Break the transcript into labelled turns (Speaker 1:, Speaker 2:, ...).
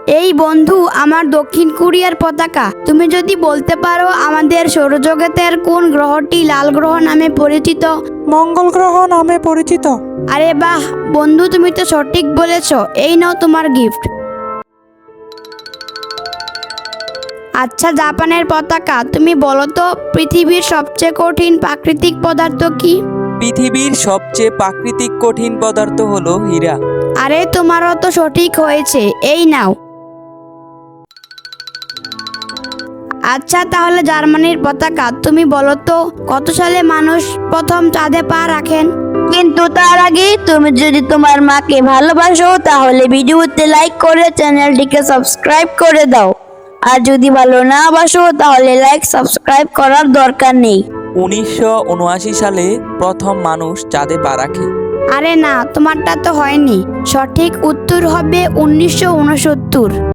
Speaker 1: এই বন্ধু, আমার দক্ষিণ কোরিয়ার পতাকা। তুমি যদি বলতে পারো আমাদের সৌরজগতের কোন গ্রহটি লাল গ্রহ নামে পরিচিত?
Speaker 2: মঙ্গল গ্রহ নামে পরিচিত।
Speaker 1: আরে বাহ বন্ধু, তুমি তো সঠিক বলেছো। এই নাও তোমার গিফট। আচ্ছা জাপানের পতাকা, তুমি বলো তো পৃথিবীর সবচেয়ে কঠিন প্রাকৃতিক পদার্থ কি?
Speaker 3: পৃথিবীর সবচেয়ে প্রাকৃতিক কঠিন পদার্থ হলো হীরা।
Speaker 1: আরে তোমারও তো সঠিক হয়েছে। এই নাও। আচ্ছা তাহলে জার্মানির পতাকা, তুমি বলো তো কত সালে মানুষ প্রথম চাঁদে পা রাখেন? কিন্তু তার আগে তুমি যদি তোমার মাকে ভালোবাসো তাহলে ভিডিওতে লাইক করে চ্যানেলটিকে সাবস্ক্রাইব করে দাও। আর যদি ভালো না বাসো তাহলে লাইক সাবস্ক্রাইব করার দরকার নেই।
Speaker 3: 1979 সালে প্রথম মানুষ চাঁদে পা রাখে।
Speaker 1: আরে না, তোমারটা তো হয়নি। সঠিক উত্তর হবে 1969।